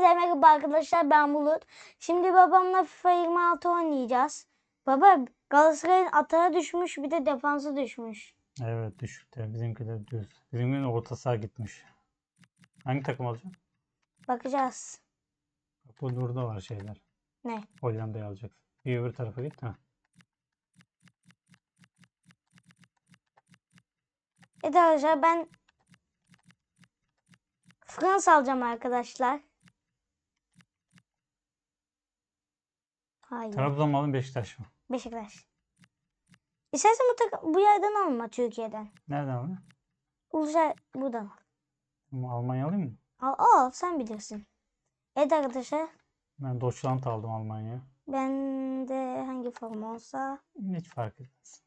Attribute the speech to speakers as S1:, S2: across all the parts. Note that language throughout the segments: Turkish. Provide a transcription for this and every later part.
S1: Hepinize merhaba arkadaşlar, ben Bulut. Şimdi babamla FIFA 26 oynayacağız. Baba, Galatasaray'ın atağı düşmüş, bir de defansı düşmüş.
S2: Evet, düşükte. Bizimki de düz. Bizimkinin orta saha gitmiş. Hangi takım alacak?
S1: Bakacağız.
S2: Bak, burada var şeyler.
S1: Ne?
S2: Hollanda'yı alacaksın. Bir öbür tarafa git. Ha.
S1: Evet arkadaşlar, ben Fransa alacağım arkadaşlar. Hayır.
S2: Trabzon mu alın, Beşiktaş mı?
S1: Beşiktaş. İstersen bu yerden alma, Türkiye'den.
S2: Nereden alın?
S1: Ulusal buradan al.
S2: Ama Almanya alayım mı?
S1: Al, sen bilirsin. Evet arkadaşlar,
S2: Ben Deutschland aldım Almanya'ya.
S1: ben de hangi forma olsa.
S2: Hiç fark etmez.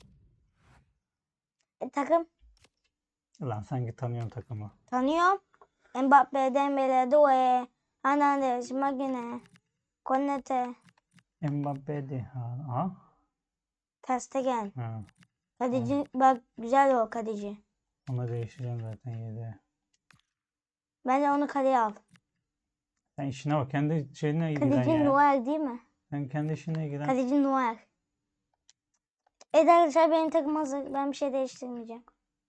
S1: Takım
S2: Lan sanki tanıyorsun takımı.
S1: tanıyorum. Mbappe, Dembele, Doué, Hernandez, Magine, Konate,
S2: Mbappe de. Ha.
S1: Ter Stegen.
S2: Ha.
S1: Kaleci bak, güzel o kaleci.
S2: Onu değiştireceğim zaten 7'ye.
S1: Bence onu kaleye al.
S2: Sen işine bak. Kendi şeyine ilgilen
S1: Kaleci
S2: ya.
S1: Noel değil mi?
S2: Sen kendi işine ilgilen.
S1: Kaleci Noel. Evet arkadaşlar, benim takım hazır. Ben bir şey değiştirmeyeceğim.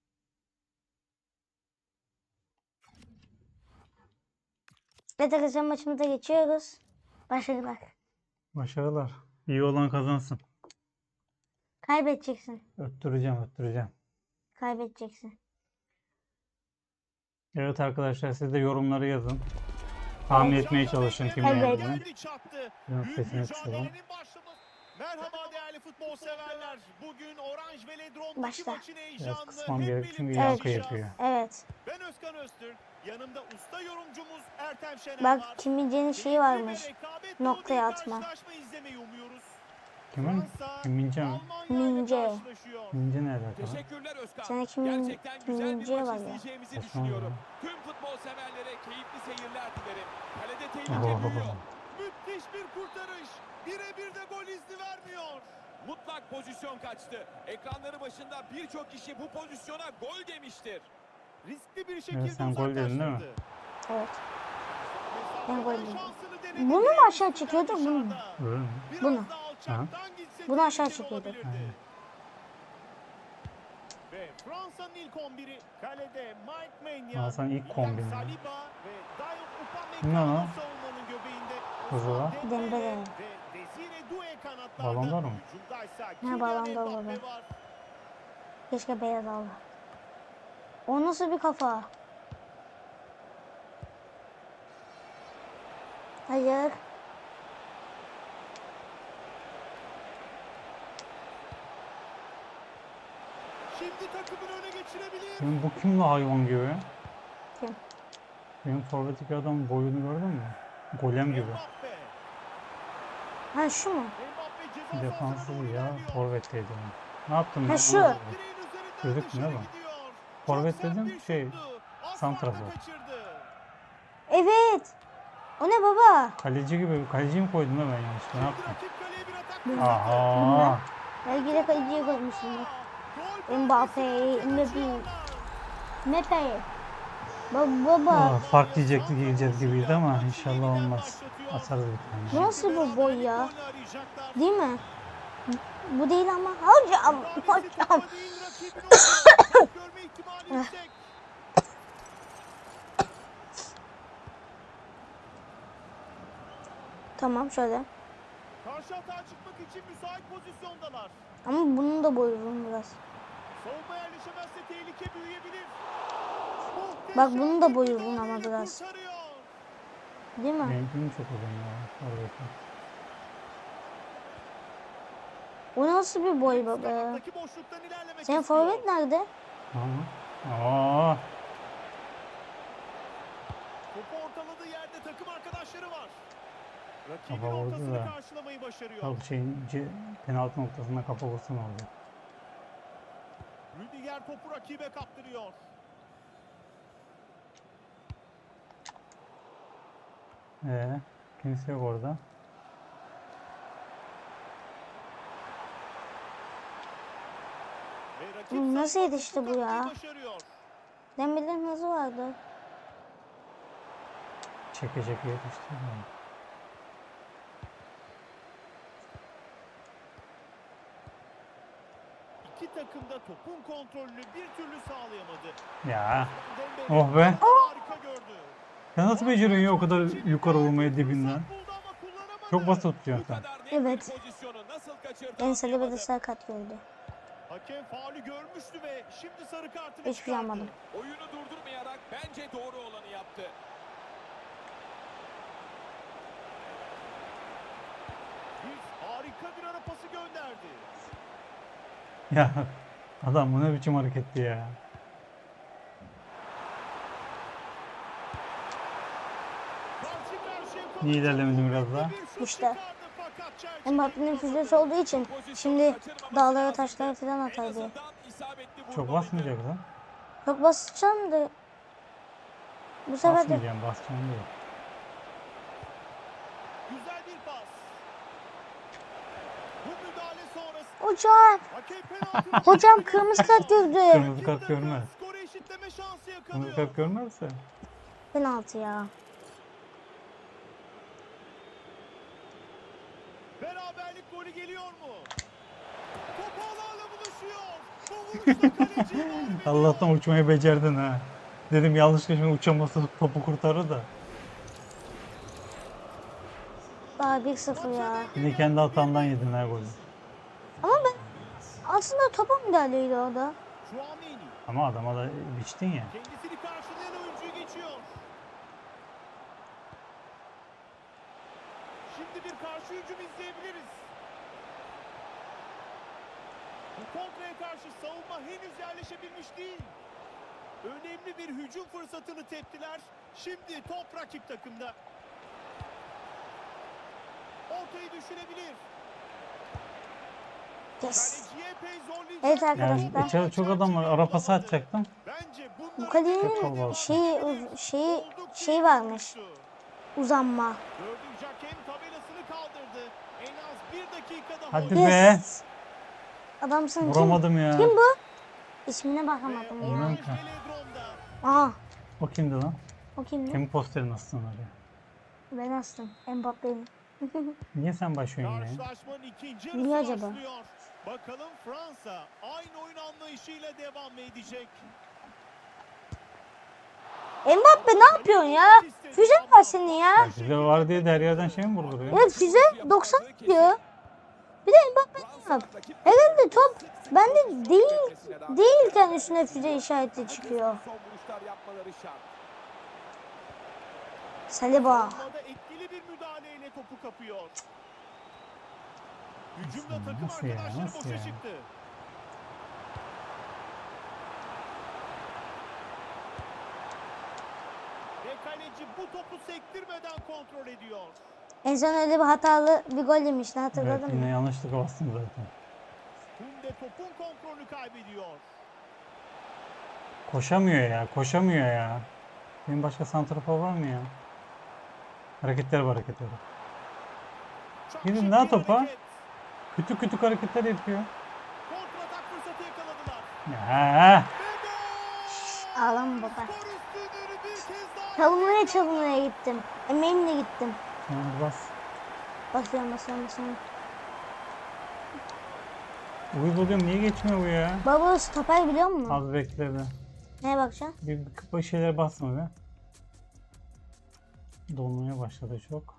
S1: Evet arkadaşlar, maçımıza geçiyoruz. Başarılar.
S2: Başarılar. İyi olan kazansın.
S1: Kaybedeceksin.
S2: Öttüreceğim.
S1: Kaybedeceksin.
S2: Evet arkadaşlar, siz de yorumları yazın. Tahmin etmeye çalışın kim
S1: Evet.
S2: yendiğini. Biraz sesini kısalım.
S3: Merhaba değerli futbol severler. Bugün Orange Velodrome'daki
S1: Başla.
S3: maçın
S2: Biraz
S3: heyecanını
S2: kısmam
S3: hep
S2: gerek çünkü
S3: birlikte
S2: yankı
S3: yaşayacağız.
S2: yapıyor.
S1: Evet.
S3: Ben Özkan Öztürk. Yanımda usta yorumcumuz Ertem Şener
S1: Bak,
S3: var.
S1: Kim Min-jae'nin şeyi
S3: Keyifli
S1: varmış.
S3: ve rekabet dolu
S1: Noktaya
S3: bir
S1: atma.
S3: karşılaşma izlemeyi umuyoruz.
S2: Kimin?
S3: Fransa,
S2: Kim Min-jae mi?
S3: Almanya ile
S1: Min-jae.
S3: karşılaşıyor.
S2: Min-jae ne alaka lan?
S4: Teşekkürler Özkan.
S1: Sana Kim
S4: Gerçekten güzel bir
S1: Min-jae
S4: maç
S1: var ya.
S4: izleyeceğimizi
S2: Osman
S4: düşünüyorum.
S2: ya.
S4: Tüm futbol severlere keyifli seyirler dilerim. Kalede
S2: Oh.
S4: tehlike büyüyor.
S3: Müthiş bir kurtarış. Birebir de gol izni vermiyor.
S4: Mutlak pozisyon kaçtı. Ekranları başında birçok kişi bu pozisyona gol demiştir.
S3: Riskli bir şekilde
S2: sen gol dedin değil mi?
S3: uzaklaştırdı.
S1: Evet. Ben gol dedim.
S3: Şansını denedi.
S1: Bunu mu aşağı çekiyorduk, bunu mu?
S2: Öyle mi?
S3: Biraz
S1: Bunu.
S3: daha alçaktan gitse
S1: Bunu aşağı
S3: tehlikeli
S1: çekiyorduk.
S3: olabilirdi.
S2: Aynen.
S3: Ve Fransa'nın ilk 11'i kalede Mike Maignan,
S2: Fransa'nın ilk
S3: William
S2: kombini.
S3: Saliba ve Dayot
S2: Ne lan?
S3: Upamecano savunmanın göbeğinde.
S2: Hızlı lan.
S1: Dembele.
S3: Ve Desire Doué kanatlarda.
S2: Balon var mı?
S3: Hücumdaysa
S1: Ne
S3: Kylian
S1: balon var
S3: Mbappe
S1: baba?
S3: var.
S1: Keşke beyaz aldı. O nasıl bir kafa? Hayır.
S3: Şimdi takımın öne geçirebilir.
S2: Benim bu kim la hayvan gibi?
S1: Kim?
S2: Benim forvetteki adam boyunu gördün mü? Golem gibi.
S3: Mbappe.
S1: Ha, şu mu?
S3: Mbappe ceza sahasına
S2: Defansız
S3: doğru
S2: ya.
S3: ilerliyor.
S2: Forvetteydi. Ne yaptım
S1: Ha,
S2: ben?
S1: şu.
S2: Anlamadım.
S3: Direğin üzerinden
S2: Gözükmüyor
S3: dışarı
S2: ama.
S3: gidiyor.
S2: Forvet
S3: Çok sert
S2: dedim,
S3: bir
S2: şey,
S3: şuttu. Aslan
S2: santrafor.
S3: da kaçırdı.
S1: Evet. O ne baba?
S2: Kaleci gibi. Kaleci mi koydum da ben yanlışlıkla? Ne
S3: Şimdi
S2: yaptım?
S3: rakip kaleye bir atak
S1: Hı.
S3: fırsatı.
S2: Aha.
S1: Belki de kaleciye koymuşsundur.
S3: Gol
S1: Mbappe,
S3: bölgesine
S1: Mbappe.
S3: kaçıyorlar.
S1: Mepe. Baba.
S2: Fark diyeceğiz gibiydi ama inşallah olmaz. Atarız bir tane.
S1: Nasıl bu boy ya?
S3: Golünü arayacaklar.
S1: Değil mi? Bu değil ama. Hocam.
S3: Müdahalesi
S1: Hocam.
S3: topa değil, rakibin ortasında. Görme ihtimali yüksek.
S1: Tamam, şöyle.
S3: Karşı atağa çıkmak için müsait pozisyondalar.
S1: Ama bunun da boyu uzun biraz.
S3: Savunma yerleşemezse tehlike büyüyebilir.
S1: Bak, bunun da
S3: Muhteşem
S1: boyu
S3: bir
S1: uzun ama
S3: müdahaleyle
S1: biraz.
S3: kurtarıyor.
S1: Değil mi?
S2: Benimkinin çok uzun ya. Forvetin.
S1: O nasıl bir boy baba?
S3: Kanattaki boşluktan ilerlemek
S1: Senin
S3: istiyor.
S1: forvet nerede?
S2: Aa.
S3: Topu ortaladığı yerde takım arkadaşları var. Rakibin
S2: Kafa vurdu
S3: ortasını
S2: da.
S3: karşılamayı başarıyor.
S2: Tabii penaltı noktasında kafa vursun oldu.
S3: Rüdiger topu rakibe kaptırıyor.
S2: Kimse yok orada.
S3: Ve rakip
S1: Nasıl
S3: savunma
S1: yetişti
S3: topu
S1: bu ya?
S3: kapmayı başarıyor.
S1: Dembele'nin hızı vardı.
S2: Çeke çeke yetişti.
S3: İki takım da topun kontrolünü bir türlü sağlayamadı.
S2: Ya.
S3: Dembele
S2: Oh be.
S3: harika gördü.
S2: Sen nasıl beceriyorsun ya o kadar yukarı vurmayı dibinden?
S3: Fırsat buldu ama kullanamadı.
S2: Çok basit
S4: Bu
S2: tutuyorsun sen.
S4: kadar net
S1: Evet.
S4: bir pozisyonu nasıl kaçırdı
S1: En Saliba da
S4: anlayamadım.
S1: sakat gördü.
S3: Hakem faulü görmüştü ve şimdi sarı kartını
S1: Hiçbir şey
S3: çıkardı.
S1: yapmadım.
S4: Oyunu durdurmayarak bence doğru olanı yaptı.
S3: Harika bir ara pası gönderdi.
S2: Ya adam bu ne biçim hareketti ya.
S3: Karşı karşıya kalınca
S2: Niye ilerlemedin biraz daha?
S3: bir şut
S1: İşte.
S3: çıkardı fakat çerçeve
S1: Mbappe'nin
S3: yapamadı.
S1: füzesi olduğu için şimdi dağlara taşlara falan
S4: En
S1: atar diye.
S4: azından isabetli
S2: Çok
S4: vurmalıydı.
S2: basmayacak lan.
S1: Çok basacağım da bu sefer de
S2: Basmayacağım, basacağım değil.
S3: Güzel bir pas. Bu müdahale sonrası
S1: hocam
S3: hakem penaltı
S1: hocam kırmızı kart gördü.
S2: Kırmızı kart görmez.
S3: Skoru eşitleme şansı
S2: Kırmızı
S3: yakalıyor.
S2: kart görmezse.
S1: Penaltı ya.
S3: Beraberlik golü geliyor mu? Top ağlarla buluşuyor. Bu vuruşla kaleci mağlup
S2: Allah'tan uçmayı becerdin ha. Dedim yanlışlıkla şimdi uçaması topu kurtarır da.
S1: Daha 1-0 ya.
S2: Yine kendi hatandan yedin ha golü.
S1: Ama ben aslında topa müdahaleydi orada.
S3: Tchouaméni
S2: Ama adama da biçtin ya.
S3: kendisini karşılayan oyuncuyu geçiyor. Şimdi bir karşı hücum izleyebiliriz. Bu kontraya karşı savunma henüz yerleşebilmiş değil. Önemli bir hücum fırsatını teptiler. Şimdi top rakip takımda. Ortayı düşünebilir.
S1: Yes.
S3: Kaleciye epey zorlayacak.
S1: Evet
S3: bir
S1: arkadaşlar.
S3: top.
S2: İçeride çok adam var. Ara pası atacaktım.
S3: Bence
S1: Bu
S3: bunların
S1: kalenin
S2: kalabalık.
S1: şeyi varmış. Uzanma.
S3: Dördüncü hakem tabelasını kaldırdı. En az bir dakika daha
S2: Hadi
S3: oynayacak.
S2: be.
S1: Yes. Adamsın kim?
S2: Vuramadım ya.
S1: Kim bu? İsmine bakamadım
S3: Ve
S1: ya.
S2: Bilmem
S3: Orange
S2: ki.
S3: Velodrom'da
S1: Aha.
S2: O kimdi lan?
S1: O kimdi?
S2: Kimin posterini astın oraya?
S1: Ben astım. Mbappe'nin.
S2: Niye sen başlıyorsun ya?
S3: karşılaşmanın ikinci
S1: Niye
S3: yarısı
S1: acaba?
S3: başlıyor. Bakalım Fransa aynı oyun anlayışıyla devam mı edecek?
S1: Mbappe ne yapıyorsun ya? Füze var senin ya.
S2: Ya size var diye de her yerden şey mi vurduruyor?
S1: Evet füze 90 diyor. Bir de Mbappe ne yap? Herhalde top bende değilken üstüne füze işareti çıkıyor.
S4: Son vuruşlar yapmaları şart.
S1: Saliba.
S3: Savunmada etkili bir müdahaleyle topu kapıyor. Hücumda takım
S2: Nasıl ya,
S3: arkadaşları
S2: nasıl
S3: boşa
S2: ya?
S3: çıktı. Ve kaleci bu topu sektirmeden kontrol ediyor.
S1: En son öyle bir hatalı bir gol yemişti
S2: Evet,
S1: hatırladın
S2: yine
S1: mı?
S2: yanlışlıkla bastım zaten.
S3: Kunde topun kontrolünü kaybediyor.
S2: Koşamıyor ya, koşamıyor ya. Benim başka santrafor var mı ya? Hareketler var, hareketleri.
S3: Çok
S2: Gidin
S3: şık
S2: daha
S3: bir
S2: topa.
S3: hareket.
S2: Küçük küçük hareketler yapıyor.
S3: Kontratak fırsatı yakaladılar.
S2: Ya.
S3: Ve gol!
S1: Ağlama baba.
S3: Skor üstünlüğünü bir kez daha
S1: Çalımlaya gittim. Emeğimle gittim.
S2: Tamam, bas.
S1: Basıyorum.
S2: Uyuz oluyorum, niye geçmiyor bu ya?
S1: Baba stoper biliyor musun?
S2: Az bekledi.
S1: Neye bakacaksın?
S2: Bir şeyler basma be. Dolmaya başladı çok.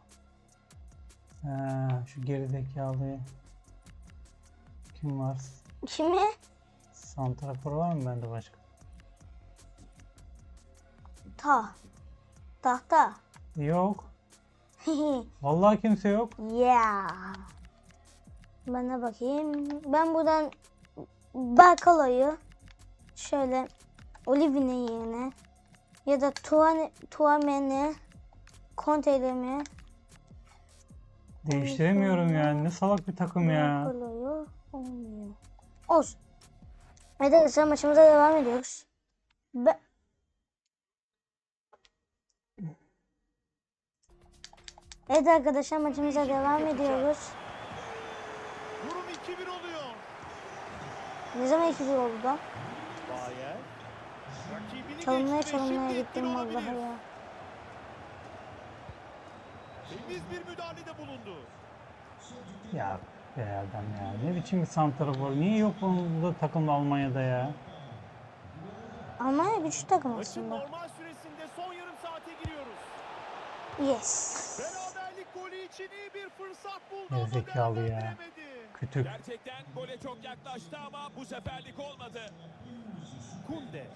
S2: Şu gerizekalı kim var?
S1: Kimi?
S2: Santrafor var mı bende başka?
S1: Tahta.
S2: Yok. Vallahi kimse yok.
S1: Yeah. Bana bakayım. Ben buradan Barkalo'yu şöyle Olivine'in yerine ya da Tchouaméni Conte'lerimi
S2: Değiştiremiyorum ya. Ne salak bir takım ya.
S1: Barkalo'yu olmuyor. Olsun. Evet arkadaşlar maçımıza devam ediyoruz. Evet arkadaşlar maçımıza devam ediyoruz.
S3: durum 2-1 oluyor.
S1: Ne zaman 2-1 oldu da?
S3: Bayer. Rakibini
S1: Çalımlaya
S3: geçti ve şimdi
S1: gittim
S3: etkili
S1: vallahi
S3: olabilir.
S1: ya.
S3: Temiz bir müdahalede bulundu.
S2: Ya be adam ya. Ne biçim bir santrafor. Niye yok bunda takımda Almanya'da ya?
S1: Almanya güçlü takım
S3: Maçın
S1: aslında.
S3: normal süresinde son yarım saate giriyoruz.
S1: Yes.
S3: Beraberlik golü için iyi bir fırsat buldu ama
S2: Gerizekalı ya.
S3: değerlendiremedi.
S2: Kütük.
S4: Gerçekten gole çok yaklaştı ama bu seferlik olmadı.
S3: Kunde.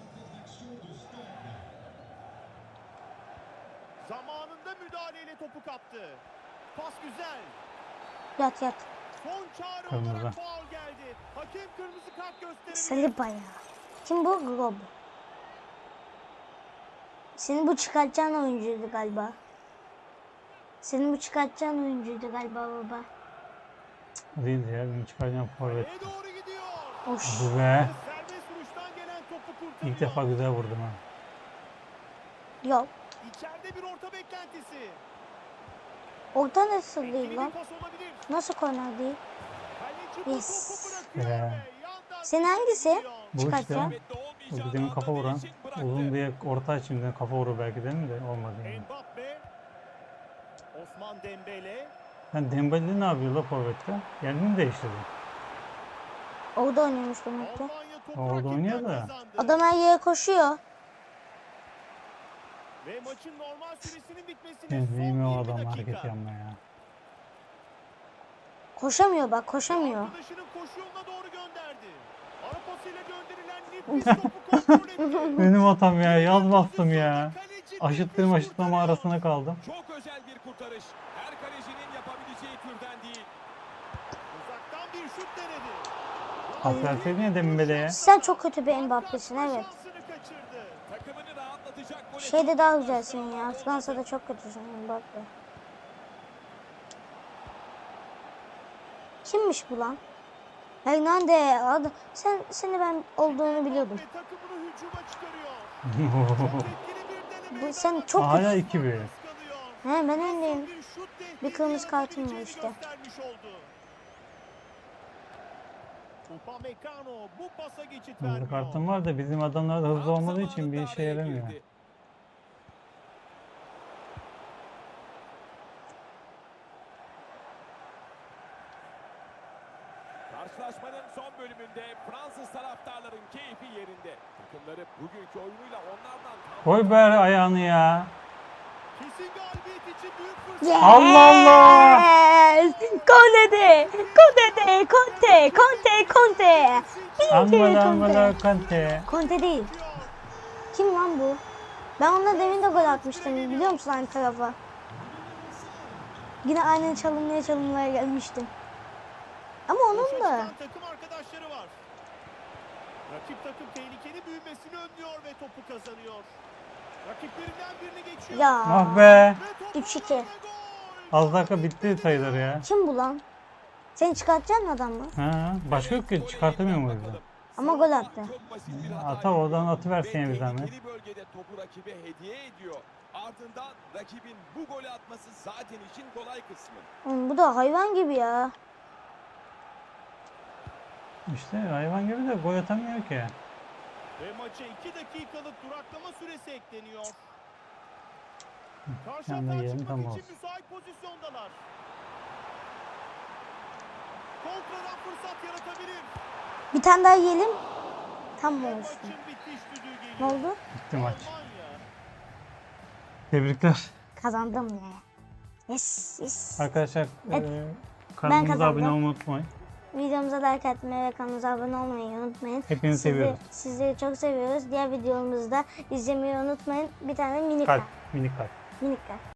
S3: Zamanında müdahaleyle topu kaptı. Pas güzel.
S1: Yat yat.
S3: Son çağrı
S2: Kırmızı.
S3: olarak faul geldi. Hakem kırmızı kart gösterebilir.
S1: Saliba ya. Kim bu? Glob. Senin bu çıkartacağın oyuncuydu galiba. Senin bu çıkartacağın oyuncuydu galiba baba.
S2: Değildi ya. Benim çıkaracağım forvet.
S3: Kaleye doğru gidiyor.
S1: Hoş.
S2: Bu be.
S3: Serbest vuruştan gelen topu kurtarıyor.
S2: İlk defa güzel vurdum ha.
S1: Yok.
S3: İçeride bir orta beklentisi.
S1: Orta nasıl
S3: Etkili
S1: değil
S3: bir
S1: lan?
S3: pas olabilir.
S1: Nasıl korner değil?
S3: Kaleci bu
S1: Yes.
S3: topu bırakıyor
S2: Be.
S3: ve yandan
S1: Senin
S3: dışarı
S1: hangisi?
S3: gidiyor.
S2: Bu işte.
S1: Çıkartacağım.
S4: Kuvvetli
S2: O
S4: olmayacağını
S2: demin kafa
S4: anladığı
S2: vuran.
S4: için bıraktı.
S2: Uzun diye orta açımdan kafa vurur belki de mi de olmadı yani.
S3: Mbappe. Osman Dembele.
S2: Sen Dembele ne yapıyor la forvette? Yerini mi değiştirdi?
S1: Orada oynuyormuş demek ki.
S3: Almanya topu
S2: Orada
S3: rakipten
S2: oynuyor da.
S3: kazandı.
S1: Adam her yere koşuyor.
S3: Ve maçın normal süresinin bitmesine
S2: Ben
S3: son
S2: neyim o
S3: 20
S2: adam
S3: dakika.
S2: hareket yapma ya.
S1: Koşamıyor bak koşamıyor.
S3: Arkadaşının koşu yoluna doğru gönderdi. Ara pasıyla gönderilen nefis topu kontrol etti.
S2: Benim hatam ya. Yaz bastım ya.
S3: Kaleci
S2: Aşıttığım
S3: nefis
S2: aşıtlama
S3: kurtarıyor.
S2: arasına kaldım.
S4: Çok özel bir kurtarış. Her kalecinin yapabileceği türden değil.
S3: Uzaktan bir şut denedi.
S2: Pas verseydin ya Dembele'ye.
S1: Sen çok kötü bir Mbappe'sin evet.
S3: Şansını kaçırdı.
S4: Takımını rahatlatacak gole
S1: Şeyde
S4: çok
S1: daha
S4: yaklaştı
S1: güzelsin
S4: ama
S1: ya.
S4: olmadı.
S1: Fransa'da çok kötüsün Mbappe. Kimmiş bu lan? Hernande. Seni ben olduğunu biliyordum.
S3: Ve takımını hücuma çıkarıyor. Çok etkili bir deneme.
S1: Bu sen çok
S2: Hala
S1: kötü.
S2: 2-1.
S1: He ben öndeyim.
S3: Bir şut tehdidi
S1: Bir kırmızı kartım var
S3: yaratabileceğini
S1: işte.
S3: göstermiş oldu. Upamecano bu pasa geçit
S2: Hızlı
S3: vermiyor.
S2: kartım var da bizim adamlar da hızlı
S4: Tam
S2: olmadığı için bir
S4: zamanında
S2: işe
S4: araya
S2: yaramıyor.
S4: girdi. Karşılaşmanın son bölümünde Fransız taraftarların keyfi yerinde. Takımları bugünkü oyunuyla onlardan tam
S2: Koy be ayağını ya.
S3: Kesin galibiyet için büyük fırsat.
S1: Yes!
S2: Allah Allah!
S1: Conte! Conte! Conte! Conte! Conte!
S2: Angola
S1: Conte!
S2: Angola Kante.
S1: Conte değil. Kim lan bu? Ben onunla demin de gol atmıştım. Biliyor musun aynı tarafa? Yine aynen çalımlaya gelmiştim. Ama onun
S3: Boşa
S1: da.
S3: çıkan takım arkadaşları var. Rakip takım tehlikeli büyümesini önlüyor ve topu kazanıyor. Rakiplerinden birini geçiyor.
S1: Ya.
S2: Ah be.
S3: Ve topu
S1: 3-2.
S3: alana gol.
S2: Az dakika bitti sayılır ya.
S1: Kim bu lan? Seni çıkartacaksın adam mı?
S2: Ha, başka yok ki çıkartamıyor muyuz?
S4: bakalım.
S1: Ama gol attı.
S4: Çok basit bir hata
S2: Ata oradan
S4: yapıyor
S2: atıversin ya
S4: ve
S2: bir zahmet.
S4: tehlikeli bölgede topu rakibe hediye ediyor. Ardından rakibin bu golü atması zaten işin kolay kısmı.
S1: Oğlum bu da hayvan gibi ya.
S2: İşte hayvan gibi de gol atamıyor ki.
S3: Ve maça 2 dakikalık duraklama süresi ekleniyor. Karşı
S2: Yanına
S3: atağa
S2: yiyelim,
S3: çıkmak
S2: tam
S3: için
S2: olsun.
S3: müsait pozisyondalar. Kontradan fırsat yaratabilir.
S1: Bir tane daha yiyelim. Tam mı
S3: Ve
S1: olsun?
S3: maçın bitiş düdüğü
S1: Ne
S3: geliyor.
S1: oldu?
S2: Bitti maç.
S3: Almanya.
S2: Tebrikler.
S1: Kazandım ya. Yes, yes.
S2: Arkadaşlar
S1: Evet.
S2: kanalımıza
S1: kazandım.
S2: abone olmayı unutmayın.
S1: Videomuza like atmayı ve kanalımıza abone olmayı unutmayın.
S2: Hepinizi seviyoruz.
S1: Sizleri çok seviyoruz. Diğer videomuzu da izlemeyi unutmayın. Bir tane minik
S2: Kalp,
S1: kalp.
S2: minik kalp.
S1: Minik kalp.